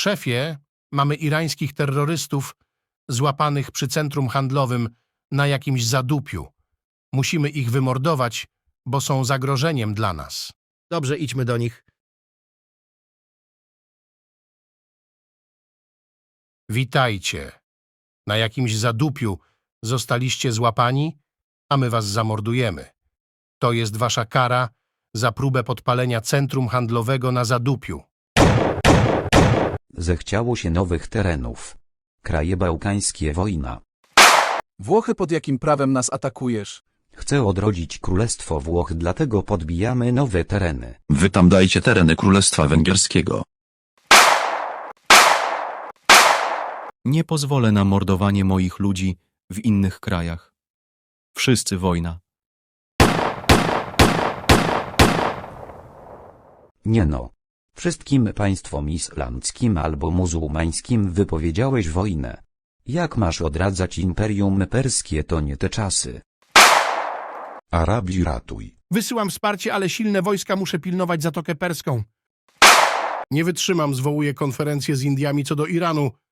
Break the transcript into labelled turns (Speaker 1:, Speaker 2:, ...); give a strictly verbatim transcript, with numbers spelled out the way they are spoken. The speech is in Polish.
Speaker 1: Szefie, mamy irańskich terrorystów złapanych przy centrum handlowym na jakimś zadupiu. Musimy ich wymordować, bo są zagrożeniem dla nas.
Speaker 2: Dobrze, idźmy do nich.
Speaker 1: Witajcie. Na jakimś zadupiu zostaliście złapani, a my was zamordujemy. To jest wasza kara za próbę podpalenia centrum handlowego na zadupiu.
Speaker 3: Zechciało się nowych terenów. Kraje bałkańskie wojna.
Speaker 4: Włochy, pod jakim prawem nas atakujesz?
Speaker 3: Chcę odrodzić Królestwo Włoch, dlatego podbijamy nowe tereny.
Speaker 5: Wy tam dajcie tereny Królestwa Węgierskiego.
Speaker 6: Nie pozwolę na mordowanie moich ludzi w innych krajach. Wszyscy wojna.
Speaker 3: Nie no. Wszystkim państwom islamskim albo muzułmańskim wypowiedziałeś wojnę. Jak masz odradzać Imperium Perskie, to nie te czasy.
Speaker 7: Arabii ratuj.
Speaker 1: Wysyłam wsparcie, ale silne wojska, muszę pilnować Zatokę Perską. Nie wytrzymam, zwołuję konferencję z Indiami co do Iranu.